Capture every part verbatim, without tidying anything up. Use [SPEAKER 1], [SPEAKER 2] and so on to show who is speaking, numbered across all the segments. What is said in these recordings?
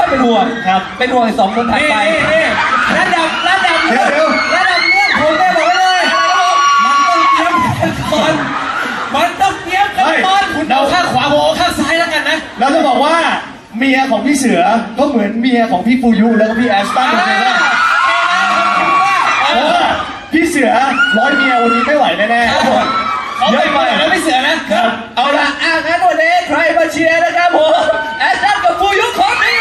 [SPEAKER 1] เป็นห่วง
[SPEAKER 2] ครับ
[SPEAKER 1] เป็นห่วงสองคนถัดไประดับระดับ
[SPEAKER 2] เดี๋ยวเดี๋ยว
[SPEAKER 1] ระดับเนี้ยผมได้บอกไว้เลยมันต้องเตรียมกันก่อนมันต้องเตรียมกันก่อนคุณเอาข้างขวาผมเอาข้างซ้ายแล้วกันนะ
[SPEAKER 2] เราจะบอกว่าเมียของพี่เสือก็เหมือนเมียของพี่ฟูยุแล้วก็พี่แอสตันเหมือนกันว่าเพราะว่าพี่เสือร้อยเมียวันนี้ไม่ไหวแน่ๆครับผมเยอะไปแล้วพี่เสือนะครับเอาละ
[SPEAKER 1] อ่ะงั้นวันนี้ใครมาเชียร์นะครับผมแอสตันกับฟูยุของนี่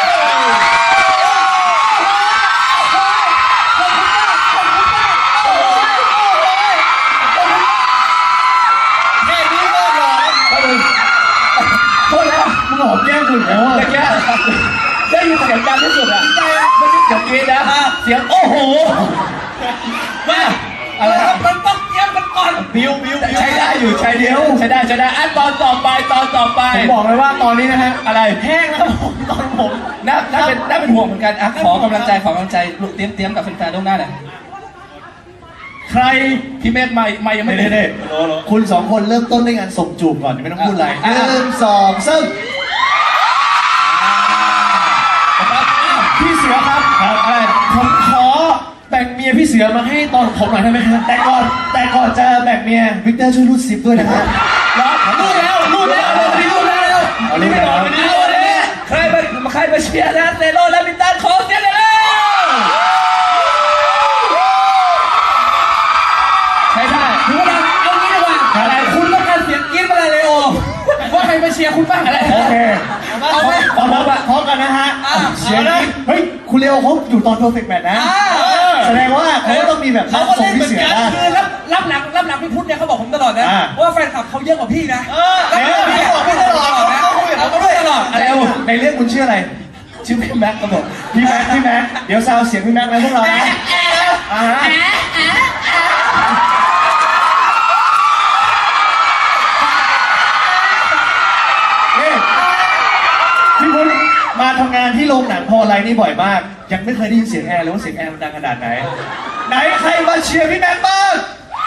[SPEAKER 2] มึงหอมแก้มคุณแล้วอ่ะ
[SPEAKER 1] เมื่อกี้ได้ยินเสียงดังที่สุดอ่ะไม่ใช่เสียงกรี๊ดนะเสียงโอ้โหมาอะไรครับมันต้องเตรียมกันก่อนบิวบิวใช้ได้อยู่ใช้เดียวใช้ได้ใช้ได้อ่ะตอนต่อไปตอนต่อไป
[SPEAKER 2] ผมบอกเลยว่าตอนนี้นะฮะ
[SPEAKER 1] อะไร
[SPEAKER 2] แห้งแล้วผมตอนผม
[SPEAKER 1] น่าน่าเป็นน่าเป็นห่วงเหมือนกันอ่ะขอกำลังใจขอกำลังใจลูกเตรียมเตรียมกับแฟนๆล่วงหน้าหน่อย
[SPEAKER 2] ใคร
[SPEAKER 1] พี่เมฆไม่ไม่ยังไม่
[SPEAKER 2] เน่ๆคุณสองคนเริ่มต้นด้วยการส่งจูบก่อนไม่ต้องพูดอะไรหนึ่งสองสามพี่เสือครับครับอะไรผมขอแบ่งเมียพี่เสือมาให้ตอนผมหน่อยได้ไหมครับแต่ก่อนแต่ก่อนจะแบ่งเมียวิกเตอร์ช่วยรูดซิปด้วยนะครับ
[SPEAKER 1] รูดแล้วรูดแล้วรูดแล้วรูดแล้ว
[SPEAKER 2] เอาเลยครับ
[SPEAKER 1] เอาเลยใครมาใครมาเชียร์นะเนโรและมินตันขอเสียงเลยใช่ใช่ถือว่าเอางี้ดีกว่าอะไรคุณต้องการเสียงกรี๊ดมาเลยเลโอว่าใครมาเชียร์คุณบ้างอะไร
[SPEAKER 2] โอเค
[SPEAKER 1] เอาไหม
[SPEAKER 2] พร้อมกันพร้อมกันนะฮะเสียงนี้เฮ้ยคุณเลโอเขาอยู่ตอนเพอร์เฟกต์แมทนะแสดงว่าเขาต้องมีแบบ
[SPEAKER 1] เขาก็
[SPEAKER 2] ส่
[SPEAKER 1] เล่
[SPEAKER 2] ง
[SPEAKER 1] นเหมื
[SPEAKER 2] พี่
[SPEAKER 1] อน
[SPEAKER 2] เสือ
[SPEAKER 1] กัน
[SPEAKER 2] นะ
[SPEAKER 1] คือรับรับหลังรับหลังพี่พุทธเนี่ยเขาบอกผมตลอดนะว่าแฟนคลับเขาเยอะกว่าพี่นะแล้วพี่บอกพี่ตลอดนะเขาก็ด้วยตลอด
[SPEAKER 2] อะไรในเรื่องคุณชื่ออะไรชื่อพี่แม็กครับผมพี่แม็กพี่แม็กเดี๋ยวซาวเสียงพี่แม็กนะพวกเรานะอ่าฮะพี่พุทธมาทำงานที่โรงหนังพอไลน์นี่บ่อยมากยังไม่เคยได้ยินเสียงแอร์เลยว่าเสียงแอร์มันดังขนาดไหนไหนใครมาเชียร์พี่แม็กบ้าง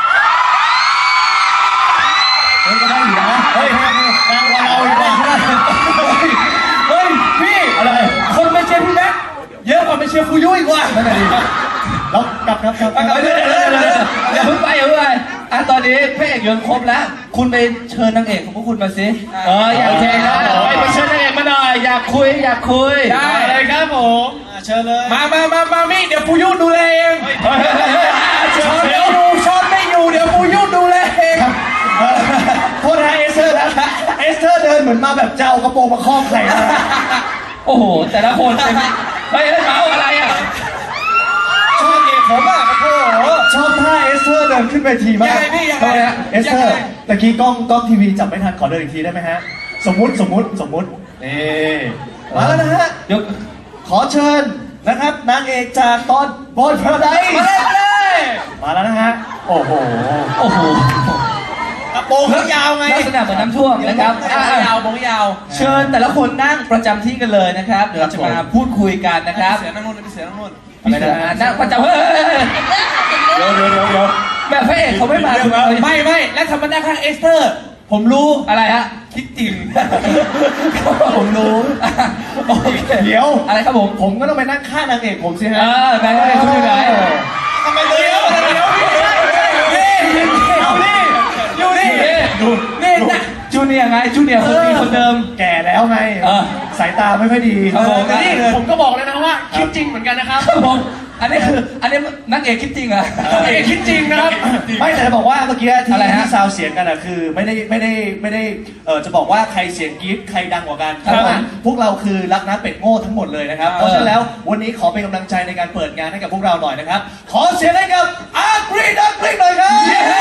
[SPEAKER 2] เฮ้ยก็ได้อยู่นะเฮ้ยดังกว่าเราอีกนะเฮ้ยพี่อะไรคนมาเชียร์พี่แม็กเยอะกว่ามาเชียร์ฟูยุ้ยกว่านั่นแหละดิแล้วกลับครับกลับกลับเดี๋ยวเดี๋ยวเดี๋ยว
[SPEAKER 1] อย่าเพิ่งไปอย่าเพิ่งไปอ่ะตอนนี้พระเอกยังครบแล้วคุณไปเชิญนางเอกของพวกคุณมาสิเอออยากเชิญนะไปเชิญนางเอกมาหน่อยอยากคุยอยากคุยได้เลยครับผมเชิญเลยมามามามามี่เดี๋ยวฟูยุดูแลเองช้อนไม่อยู่ช้อนไม่อยู่เดี๋ยวฟูยุดูแลเอง
[SPEAKER 2] โทษนะเอสเธอร์นะเอสเธอร์เดินเหมือนมาแบบเจ้ากระโปรงมาคล้องไข่นะ
[SPEAKER 1] โอ้โหแต่ละคนเป็นเฮ้ยเมาอะไรอ่ะชอบเอกผมอ่ะโอ้โห
[SPEAKER 2] ชอบท่าเอสเธอร์เดินขึ้นไปทีมาก
[SPEAKER 1] ยังไงพี่ยังไง
[SPEAKER 2] เอสเธอร์ตะกี้กล้องกล้องทีวีจับไม่ทันขอเดินอีกทีได้ไหมฮะสมมุติสมมุติสมมุตินี่มาแล้วนะฮะ
[SPEAKER 1] เดี๋ยว
[SPEAKER 2] ขอเชิญนะครับนางเอกจากตอนบอลพาราไดซ์
[SPEAKER 1] มาเลยมาเลย
[SPEAKER 2] มาแล้วนะฮะโอ้โห
[SPEAKER 1] โอ้โห
[SPEAKER 2] กระโปรงเขายาวไง
[SPEAKER 1] ลักษณะเหมือนน้ำท่วมนะครับยาวโปรงยาวเชิญแต่ละคนนั่งประจำที่กันเลยนะครับเดี๋ยวเราจะมาพูดคุยกันนะครับ
[SPEAKER 2] เสือนั่งนู่นพี่เสือนั่งนู่น
[SPEAKER 1] อะไรนะนั่งประจำเฮ้ย
[SPEAKER 2] เดี๋ยวเดี๋ยวเดี๋ยวเดี๋ยว
[SPEAKER 1] แบบพระเอกเขาไม่มาไม่ไม่แล้วทำมานั่งข้างเอสเตอร์ผมรู้อะไรฮะคิดจริง
[SPEAKER 2] ผมรู้เดี๋ยว
[SPEAKER 1] อะไรครับผม
[SPEAKER 2] ผมก็ต้องไปนั่งข้างนางเอกผมสิฮะ
[SPEAKER 1] เออนางเอกคุณอยู่ไหน
[SPEAKER 2] ทำไมเดี๋ยวเดี๋ยวเอานี่
[SPEAKER 1] อยู่นี่ดูนี่นะจูเนียร์ไงจูเนียร์คนดีคนเดิม
[SPEAKER 2] แก่แล้วไงสายตาไม่ค่อยดี
[SPEAKER 1] ครับผม
[SPEAKER 2] นี่ผมก็บอกเลยนะว่าคิดจริงเหมือนกันนะครับ
[SPEAKER 1] ผมอันนี้คืออันนี้นักเอกคิดจริงอ่ะ
[SPEAKER 2] นักเอกคิดจริงนะครับไม่แต่จะบอกว่าเมื่อกี้ที่ที่ซาวเสียงกันอ่ะคือไม่ได้ไม่ได้ไม่ได้เออจะบอกว่าใครเสียงกรี๊ดใครดังกว่ากันเพราะว่าพวกเราคือรักน้ำเป็ดโง่ทั้งหมดเลยนะครับเพราะฉะนั้นแล้ววันนี้ขอเป็นกำลังใจในการเปิดงานให้กับพวกเราหน่อยนะครับขอเสียงให้กับอาร์กรีดักกรีดหน่อยครับ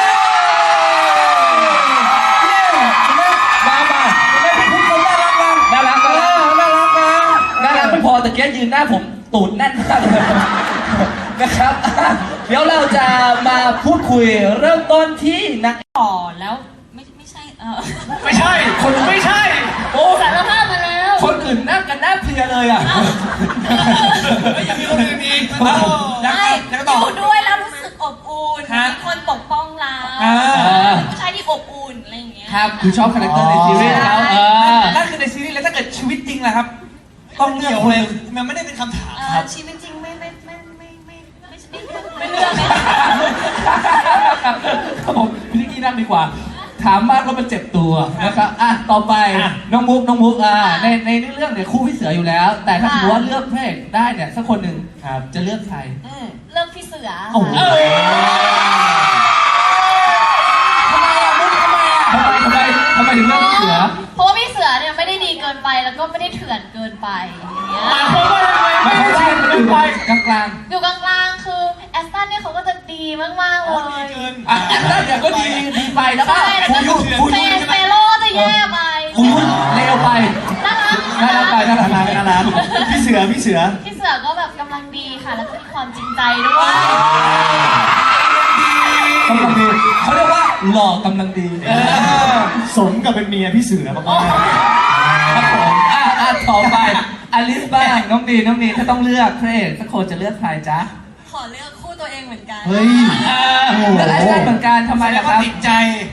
[SPEAKER 1] มามาไม่เป็นผู้คนน่ารักกันน่ารักกันน่ารักกันน่ารักไม่พอแต่แกยืนหน้าผมตูดแน่นมากเลยนะครับเดี๋ยวเราจะมาพูดคุยเริ่มต้นที่นัก
[SPEAKER 3] ต่อแล้วไม่ไม่ใช่เออ
[SPEAKER 1] ไม่ใช่คนไม่ใช่
[SPEAKER 3] โอ้สารภาพมาแล้ว
[SPEAKER 1] คนอื่นนั่งกันหน้าเพลียเลยอ่ะยังมีคนอื่นอีก
[SPEAKER 3] ไม่อยู่ด้วยแล้วรู้สึกอบอุ่นมีคนปกป้องเราผู้ชายที่อบอุ่นอะไรอย่างเงี้ย
[SPEAKER 1] ครับคือชอบคาแรคเตอร์ในซีรีส์แล้ว
[SPEAKER 3] นั่นคือในซีรีส์แล้วถ้าเกิดชีวิตจริงล่ะครับ
[SPEAKER 4] ต้องเลือกคนเลยมันไม่ได้เป็นคำถาม
[SPEAKER 3] เอ
[SPEAKER 4] ครั
[SPEAKER 3] อบ ชีวิตจริงไม่ไม่ไม่ไม่ไม่ไม่ไม่เลือกไม่
[SPEAKER 1] ครับผมพี่นิกกี้นั่งดีกว่า ถามมากแล้วมันเจ็บตัวนะครับอ่ะต่อไปน้องมุกน้องมุกอ่าในในเรื่องเนี่ยคู่พี่เสืออยู่แล้ว แต่ถ้าสมมติว่าเลือกพระเอกได้เนี่ยสักคนหนึ่งจะเลือกใคร
[SPEAKER 3] เลือกพี่เสือ
[SPEAKER 1] โอ้โห
[SPEAKER 4] ทำไมอ่ะมุกทำไมอ่ะ
[SPEAKER 1] ทำไมทำไมทำไมถึงเลือกพี่เสือ
[SPEAKER 3] เพราะว่าพี่เสือเนี่ยไม่ได้ดีเกินไปแล้วก็ไม่ได้เถื่อนเกินไปอย่างเงี้ย
[SPEAKER 4] เพราะว่าทำไมไม่ได้ชิมกันไป
[SPEAKER 1] กลางกลาง
[SPEAKER 3] อยู่กลางๆคือแอสตันเนี่ยเขาก็จะดีมากๆเล
[SPEAKER 4] อ๋อดี
[SPEAKER 3] ย
[SPEAKER 4] เกิน
[SPEAKER 1] ๆอ่ะแล้วเดี๋ยวก็ดีดีไปแล้วก็
[SPEAKER 3] ใช่แล้วก็
[SPEAKER 1] ฟูยุฟู
[SPEAKER 3] เฟ
[SPEAKER 1] ยุ
[SPEAKER 3] นเฟโลจะแย่ไป
[SPEAKER 1] ฟูยุเลวไป
[SPEAKER 3] น่ารัก
[SPEAKER 1] น่ารักไปน่ารัก
[SPEAKER 2] น่ารักน่ารักพี่เสือพี่เสือ
[SPEAKER 3] พี่เสือก็แบบกำลังดีค่ะ แล้วก็มีความจริงใจด้วย
[SPEAKER 1] กำลังดีเขาเรียกว่าหล่อกำลังดี
[SPEAKER 2] สมกับเป็นเมียพี่เสือมาก
[SPEAKER 1] ครับผมอ่ะอ่ะต่อไปอลิสบ้างน้องดีน้องดีถ้าต้องเลือกพระเอกสักคนจะเลือกใครจ๊ะ
[SPEAKER 3] ขอเลือกคู่ตัวเองเหมือนกัน
[SPEAKER 2] เฮ้ย
[SPEAKER 1] เออเลือกไอ้ได้เหมือนกันทำไมล่ะครับ
[SPEAKER 4] ติดใจ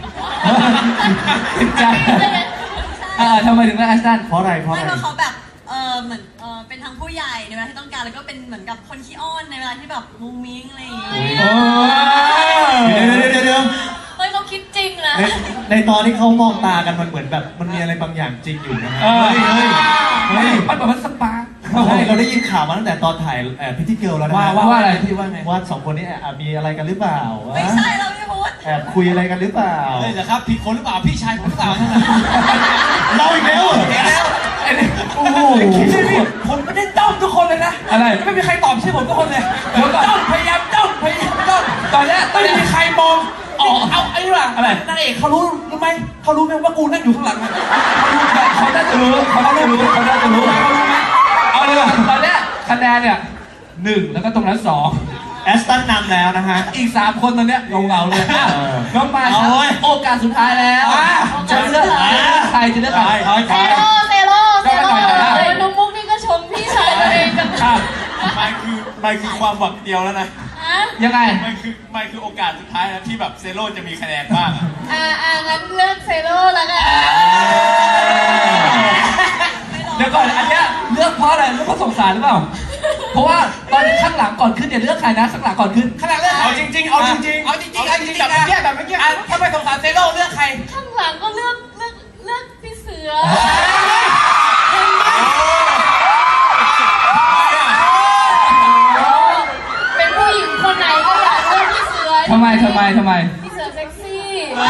[SPEAKER 1] ติดใจเออทำไมถึงเลือกไอ้ด้าน
[SPEAKER 2] เพราะอะไรเพราะ
[SPEAKER 5] ไม่
[SPEAKER 2] อะไร
[SPEAKER 5] เพราะเขาแบบเออเหมือนเออเป็นทั้งผู้ใหญ่ในเวลาที่ต้องการแล้วก็เป็นเหมือนกับคนขี้อ้อนในเวลาที่แบบมุ้งมิ้งอะไรอย่างเงี้ย
[SPEAKER 1] โอ้
[SPEAKER 2] เดี๋ยวเดี๋ยวเดี๋ยวเดี๋ยว
[SPEAKER 3] เฮ้ยเขาคิดจริงนะ
[SPEAKER 2] ในในตอนที่เขามองตากันมันเหมือนแบบมันมีอะไรบางอย่างจริงอยู่นะฮะ
[SPEAKER 1] เออ
[SPEAKER 2] เฮ้ยเฮ้ย
[SPEAKER 1] เฮ้ยมันแบบมันสปาร์ค
[SPEAKER 2] เฮ้ยเราได้ยินข่าวมาตั้งแต่ตอนถ่ายเอ่อพิธีเกิลแล้วนะ
[SPEAKER 1] ว่า
[SPEAKER 2] ฮะ
[SPEAKER 1] ว่าว่าอะไรพี่ว่าไง
[SPEAKER 2] ว่าสองคนนี้แอบมีอะไรกันหรือเปล่า
[SPEAKER 5] ไม่ใช่เราไม่พูด
[SPEAKER 2] แอบคุยอะไรกันหรือเปล่า
[SPEAKER 4] เลยเหรอครับผิดคนหรือเปล่าพี่ชายผมหรือเปล่านั่นน่ะ
[SPEAKER 2] เราอีกแล้วเหรอ
[SPEAKER 4] เห็นแล้ว
[SPEAKER 2] โอ้โห
[SPEAKER 4] พี่พี่ผมไม่ได้จ้องทุกคนเลยนะ
[SPEAKER 1] อะไร
[SPEAKER 4] ไม่มีใครตอบชื่อผมทุกคนเลย
[SPEAKER 1] เดี๋ยวก่อน
[SPEAKER 4] จ้องพยายามจ้องพยายามจ้อง
[SPEAKER 1] ตอนเนี้ยตอน
[SPEAKER 4] ไม่
[SPEAKER 1] เนี้ย
[SPEAKER 4] มีใครมองอ๋อเอาไอ้นี่ว่ะ
[SPEAKER 1] อะไร
[SPEAKER 4] นางเอกเขารู้รู้ไหมเขารู้ไหมว่ากูนั่งอยู่ข้างหลังอะ
[SPEAKER 1] เขาน่าจะรู้เขาน่าจะรู้เขาน่าจะรู้
[SPEAKER 4] เขารู้ไหม
[SPEAKER 1] เอาเลยว่ะตอนเนี้ยคะแนนเนี่ยหนึ่งแล้วก็ตรงนั้นสอง
[SPEAKER 2] แอสตันนำแล้วนะฮะ
[SPEAKER 1] อีกสามคนตอนเนี้ยเงาๆเลยอ่ะ
[SPEAKER 2] เออ
[SPEAKER 1] น้องมายครับโอกาสสุดท้ายแล้วจะเลือกใครจะเลือกใคร
[SPEAKER 3] เซโลเซโลเซโลน้องมุกนี่ก็ชมพี่ชายตัวเองกัน
[SPEAKER 1] ครับ
[SPEAKER 6] ไม่คือไม่คือความหวังเดียวแล้วนะ
[SPEAKER 3] ฮะ
[SPEAKER 1] ยังไง
[SPEAKER 6] ไม่คือไม่คือโอกาสสุดท้ายแล้วที่แบบเซโร่จะมีคะแนนบ้างอะ
[SPEAKER 3] อ่าอ่างั้นเลือกเซโลแล้วกัน
[SPEAKER 1] เดี๋ยวก่อนอันเนี้ยเลือกเพราะอะไรเลือกเพราะสงสารหรือเปล่า เพราะว่าตอนข้างหลังก่อนขึ้นเนี่ยเลือกใครนะข้างหลังก่อนขึ้น
[SPEAKER 4] ขนาดเลือก
[SPEAKER 6] เอาจริงๆ เอาจริงๆ
[SPEAKER 4] เอาจริงๆเอาจริงๆ
[SPEAKER 6] แบบ
[SPEAKER 4] นะ
[SPEAKER 6] เมื่อกี้แบบเมื่อกี้
[SPEAKER 4] อ่ะถ้าไม่สงสารเซโร่เลือกใคร
[SPEAKER 3] ข้างหลังก็เลือกเลือกเลือกพี่เสือ เป็นผู้หญิงคนไหนก็อยากเลือกพี่เสือ
[SPEAKER 1] ทำไมทำไมทำไม
[SPEAKER 3] พี่เสือเซ็กซี่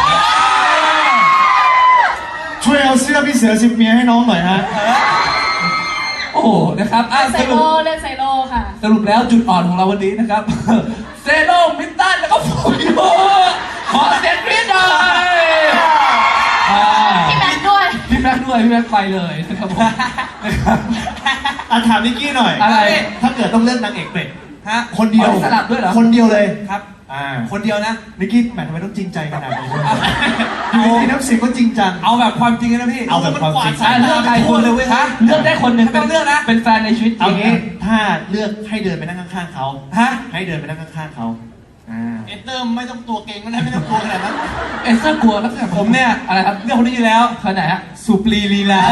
[SPEAKER 2] ช่วยเอาเสื้อพี่เสือสิบเมียให้น้องหน่อยฮะ
[SPEAKER 1] โอ้โหนะครับอ่ะ
[SPEAKER 3] ไซ
[SPEAKER 1] ส
[SPEAKER 3] โล
[SPEAKER 1] รุป
[SPEAKER 3] เลือกไซโลค่ะ
[SPEAKER 1] สรุปแล้วจุดอ่อนของเราวันนี้นะครับ เซโร่มิตตันแล้วก็ฟูยูขอเสียงกรี๊ดหน่อยอ่า
[SPEAKER 3] พี่แม็กซ์ด้วย
[SPEAKER 1] พี่แม็กซ์ด้วยพี่แม็กซ์ไปเลยนะครับผมนะครับ
[SPEAKER 2] อ่ะถามนิกกี้หน่อย
[SPEAKER 1] อะไร
[SPEAKER 2] ถ้าเกิดต้องเลือกนางเอกเป็ด
[SPEAKER 4] ฮะ
[SPEAKER 2] คนเดียว
[SPEAKER 1] อ๋อสลับด้วยเหรอ
[SPEAKER 2] คนเดียวเลย
[SPEAKER 4] ครับ
[SPEAKER 2] อ่า
[SPEAKER 4] คนเดียวนะ
[SPEAKER 2] นิกกี้แหมทำไมต้องจริงใจขนาดนี้อยู่ดีๆน้ำเสียงก็จริงจัง
[SPEAKER 4] เอาแบบความจริงนะพี่
[SPEAKER 2] เอาแบบความจริง
[SPEAKER 1] อ่ะเลือกใครคนเลยเว้ยฮะเลือกได้คนหนึ่ง
[SPEAKER 4] ไม่ต้องเลือกนะ
[SPEAKER 1] เป็นแฟนในชีวิตจ
[SPEAKER 2] เอา
[SPEAKER 1] ริง
[SPEAKER 2] งี้ถ้าเลือกให้เดินไปนั่งข้างๆเขา
[SPEAKER 4] ฮะ
[SPEAKER 2] ให้เดินไปนั่งข้างๆเขาอ่า
[SPEAKER 4] เอเตอร์ไม่ต้องตัวเก่งก็ได้ไม่ต้องกลัวขนาดนั้น
[SPEAKER 1] เอสเซอร์กลัวแล้ว
[SPEAKER 4] ผมเนี่ย
[SPEAKER 1] อะไรครับ
[SPEAKER 4] เรื่องคนนี้อยู่แล้ว
[SPEAKER 1] คนไหนฮะ
[SPEAKER 4] สุปรีลีลา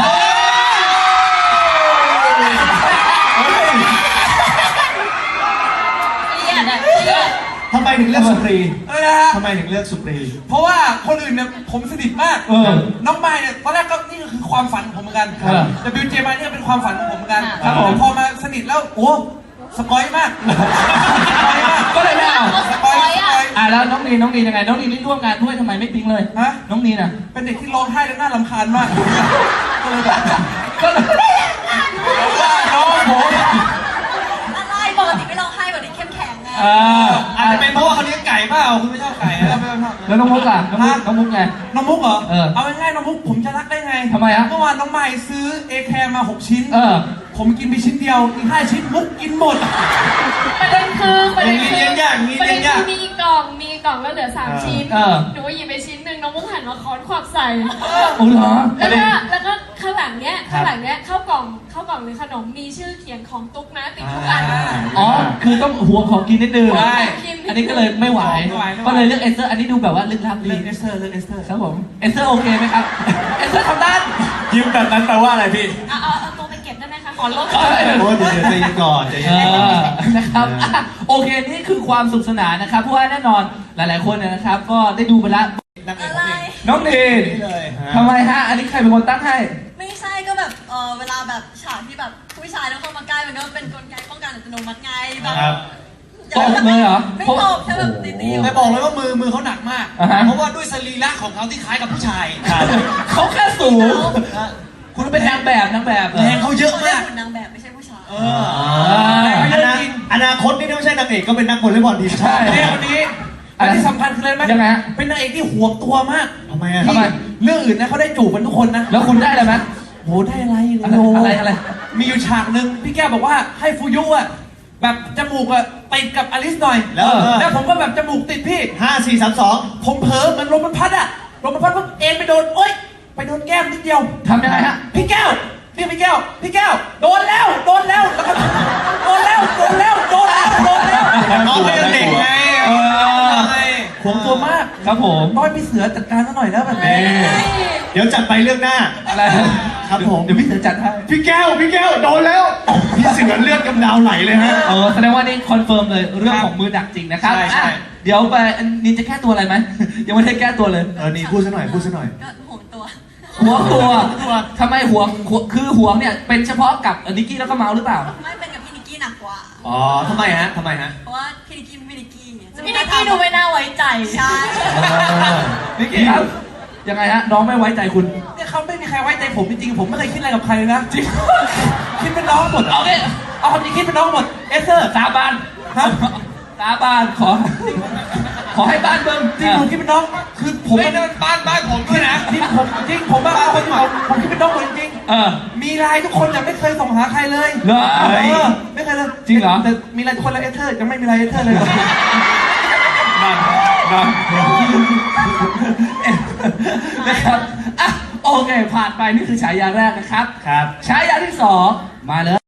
[SPEAKER 3] เครียดอะเครียด
[SPEAKER 2] ทำไมถึงเลือกสุปรี
[SPEAKER 4] อะไรนะฮะ
[SPEAKER 2] ทำไมถึงเลือกสุปรี
[SPEAKER 4] เพราะว่าคนอื่นเนี่ยผมสนิทมาก
[SPEAKER 1] เออ
[SPEAKER 4] น้องไม้เนี่ยตอนแรกก็นี่ก็คือความฝันของผมเหมือนกัน
[SPEAKER 1] ครับ
[SPEAKER 4] แต่บิวเจมาเนี่ยเป็นความฝันของผมเหมือนกัน
[SPEAKER 1] ครับผม
[SPEAKER 4] พอมาสนิทแล้วโอ้สปอยมากสปอยมาก
[SPEAKER 1] ก็เลยไม่เอา
[SPEAKER 4] สปอยสปอย
[SPEAKER 1] อ่ะแล้วน้องนีนน้องนีนยังไง น้องนีนนี่ร่วมงานด้วยทำไมไม่ปิ๊งเลย
[SPEAKER 4] ฮะ
[SPEAKER 1] น้องนีนอ่ะ
[SPEAKER 4] เป็นเด็กที่ร้องไห้และน่ารำคาญมากก็เลยแบบ
[SPEAKER 1] ก็เลย
[SPEAKER 4] ว่าน้องผม
[SPEAKER 5] อะไรปกติไม่ร้องไห้ปกติเข้มแข็งไง
[SPEAKER 1] อ่า
[SPEAKER 4] อาจจะเป็นเพราะว่าเขาเลี้ยงไก่เปล่าคุณไม่ชอบไก่นะไม่ชอบ
[SPEAKER 1] แล้วน้องมุกอ่ะน้องมุกน้องมุกไง
[SPEAKER 4] น้องมุกเหรอ
[SPEAKER 1] เออ
[SPEAKER 4] เอาง่ายๆน้องมุกผมจะรักได้ไง
[SPEAKER 1] ทำไมฮะ
[SPEAKER 4] เมื่อวานน้องไม้ซื้อเอแคร์มาหกชิ้น
[SPEAKER 1] เออ
[SPEAKER 4] ผมกินไปชิ้นเดียวอีกห้าชิ้นมุกกินหมด
[SPEAKER 3] ประเด็นคือประเด็นคือ
[SPEAKER 4] เลี้ยงยากมี
[SPEAKER 3] ประ
[SPEAKER 4] เลี้
[SPEAKER 3] เด็
[SPEAKER 4] ย
[SPEAKER 3] น
[SPEAKER 4] งยาก
[SPEAKER 3] คือมีกล่องมีกล่องแล้วเหลือสามชิ้น
[SPEAKER 1] เออ
[SPEAKER 3] หนูหยิบไปชิ้นหนึ่งน้องมุกหันมาค้อนขวักใส่
[SPEAKER 1] โอ้เหรอ
[SPEAKER 3] แล้วก็แล้วก็ข้างหลังเนี้ยข้างหลังเนี้ยข้าวกล่องข้าวกล่องหรือขนมมีชื่อเขียนของตุ๊กนะติดทุกอัน
[SPEAKER 1] อ๋อ คือต้องหัวของกินนิดนึง
[SPEAKER 4] ใช่
[SPEAKER 1] อันนี้ก็เลยไม่ไหว
[SPEAKER 4] ไม่ไหวไม่ไหว
[SPEAKER 1] ก็เลยเลือกเอสเตอร์ อันนี้ดูแบบว่าลึกลับดี
[SPEAKER 4] เลือกเอสเตอร์เลือกเอสเตอร์
[SPEAKER 1] ครับผม เอสเตอร์โอเคไหมครับ เอสเตอร์ทำได้
[SPEAKER 6] ยิ้มแบบนั้นแปลว่าอะไรพี่
[SPEAKER 3] เอาเอาเอาตัวไปเก็บบได้ไหมคะ ขอลบ
[SPEAKER 2] โอ้ยเดี๋ยวเดี๋ยวใจเย็นก่อนใจ
[SPEAKER 1] เอ
[SPEAKER 2] เย็น
[SPEAKER 1] อนะครับอ่ะโอเคนี่คือความสุขสนานนะครับเพราะว่าแน่นอนหลาย ๆคนเนี่ยนะครับ ก็ได้ดูไปแล้ว
[SPEAKER 2] นั่งเอง
[SPEAKER 5] อะไร
[SPEAKER 1] น้องเนน
[SPEAKER 2] นี่เลยฮะ
[SPEAKER 1] ทำไมฮะ อันนี้ใครเป็นคนตั้งให้
[SPEAKER 5] ไม่ใช่ก็แบบเออเวลาแบบฉากที่แบบผู้ชายต้องเข้ามาใกล้มันก็เป็นกลไกป้องกันอัตโนมัติไงแบบ
[SPEAKER 2] ครับ
[SPEAKER 1] ตบเลยเหรอ
[SPEAKER 5] ไม่ตบแค่แบบตีๆ
[SPEAKER 4] แต่บอกเลยว่ามือมือเขาหนักมาก
[SPEAKER 1] อ่าฮะ
[SPEAKER 4] เพราะว่าด้วยสรีระของเขาที่คล้ายกับผู้ชาย
[SPEAKER 2] ครับ
[SPEAKER 1] เขาแค่สูง คุณเป็นนางแบบนางแบบเหรอ
[SPEAKER 4] แรงเขาเยอะ
[SPEAKER 5] เขาเรีย
[SPEAKER 4] มาก ก
[SPEAKER 5] หุ่นนางแบบไม่ใช่ผู้ชาย
[SPEAKER 4] เออ
[SPEAKER 2] อนาอนาคตนี่ถ้าไม่ใช่นางเอกก็เป็นนักวอลเลย์บอลทีมชาติ
[SPEAKER 4] เนี่ยวันนี้อันที่สำคัญคืออะไรไหม
[SPEAKER 1] ยังไงฮะ
[SPEAKER 4] เป็นนางเอกที่ห่วงตัวมาก
[SPEAKER 2] ทำไมอ่ะ
[SPEAKER 1] ทำไม
[SPEAKER 4] เรื่องอื่นนะเขาได้จูบกันทุกคนนะ
[SPEAKER 1] แล้วคุณได้อะไรไหม
[SPEAKER 4] โหได้อะไร
[SPEAKER 1] อะไร
[SPEAKER 4] โ
[SPEAKER 1] อะไรอะไร
[SPEAKER 4] มีอยู่ฉากหนึ่งพี่แก้วบอกว่าให้ฟูยุอ่ะแบบจมูกอ่ะติดกับอลิสหน่อย
[SPEAKER 2] แล้ว
[SPEAKER 4] แล้วผมก็แบบจมูกติดพี่
[SPEAKER 2] ห้าสี่สามสอง
[SPEAKER 4] ผมเผลอมันลมมันพัดอ่ะลมมันพัดปุ๊บเอ็นไปโดนโอ๊ยไปโดนแก้มนิดเดียว
[SPEAKER 1] ทำยังไงฮะ
[SPEAKER 4] พี่แก้วพี่พี่แก้วพี่แก้วโดนแล้วโดนแล้วแล้วก็โดนแล้วโดนแล้วโดนแล้วโดนแล้ว
[SPEAKER 2] น้องเป็นเด็กไง
[SPEAKER 1] เออ
[SPEAKER 4] ห่วงตัวมาก
[SPEAKER 1] ครับผม
[SPEAKER 4] ต้อยพี่เสือจัดการซะหน่อยแล้วแบบนี้
[SPEAKER 2] เดี๋ยวจัดไปเรื่องหน้า
[SPEAKER 1] อะไร
[SPEAKER 2] ครับผม
[SPEAKER 1] เดี๋ยวพี่เสือจัดให้
[SPEAKER 2] พี่แก้ว พี่แก้ว โดนแล้ว พี่เสือเลือดกำดาวไหลเลยฮะ
[SPEAKER 1] เออแสดงว่านี่คอนเฟิร์มเลยเรื่องของมือดักจริงนะครับ
[SPEAKER 2] ใช่ใช่
[SPEAKER 1] อ่ะเดี๋ยวไปนินจะแก้ตัวอะไรไหม ยังไม่ได้แก้ตัวเลย
[SPEAKER 2] เออ นี่พูดซะหน่อย พูดซะหน่อย
[SPEAKER 5] ก็ห่วงตัว
[SPEAKER 1] หัวตัวทำไมหัวหัวคือหัวเนี่ยเป็นเฉพาะกับนิกกี้แล้วก็เมาส์หรือเปล่า
[SPEAKER 5] ไม่เป็นกับพี่นิกกี้หนักกว่า
[SPEAKER 2] อ๋อทำไมฮะทำไมฮะ
[SPEAKER 5] เพราะว่าพี่นิกกี้เป็นพี่นิกกี้ไงจะ
[SPEAKER 3] พี่นิกกี้ดูไม่น่าไว้ใจ
[SPEAKER 5] ใช่
[SPEAKER 1] นิกกี้ครับ ยังไงฮะ น้องไม่ไว้ใจคุณ
[SPEAKER 4] เนี่ยเขาไม่มีใครไว้ใจผมจริงๆผมไม่เคยคิดอะไรกับใครเลยนะจริงคิดเป็นน้องหมด
[SPEAKER 1] เอาเนี่ย
[SPEAKER 4] เอาความจริงคิดเป็นน้องหมดเอสเซอร์
[SPEAKER 1] สาบาน
[SPEAKER 4] ฮะ
[SPEAKER 1] สาบานขอ ขอให้บ้านเบิ้ม
[SPEAKER 4] จริงผมคิดเป็นน้องคือผม
[SPEAKER 6] ไม่เดินบ้านบ้านผมด้วยนะ
[SPEAKER 4] จริงผมจริงผมบ้าคนผมผมคิดเป็นน้องหมดจริง
[SPEAKER 1] เออ
[SPEAKER 4] ๆมีไลน์ทุกคนแต่ไม่เคยส่งหาใครเลย
[SPEAKER 1] เหรอ
[SPEAKER 4] เออไม่เคยเลย
[SPEAKER 1] จริงเหรอ
[SPEAKER 4] แต่มีไลน์ทุกคนแล้วเอสเซอร์ยังไม่มีไลน์เอสเซอร์เลย
[SPEAKER 1] นั่นนั่นนะครับอ่ะโอเค ผ่านไปนี่คือฉายาแรกนะครับ
[SPEAKER 2] ครับ
[SPEAKER 1] ฉายาที่สองมาเลย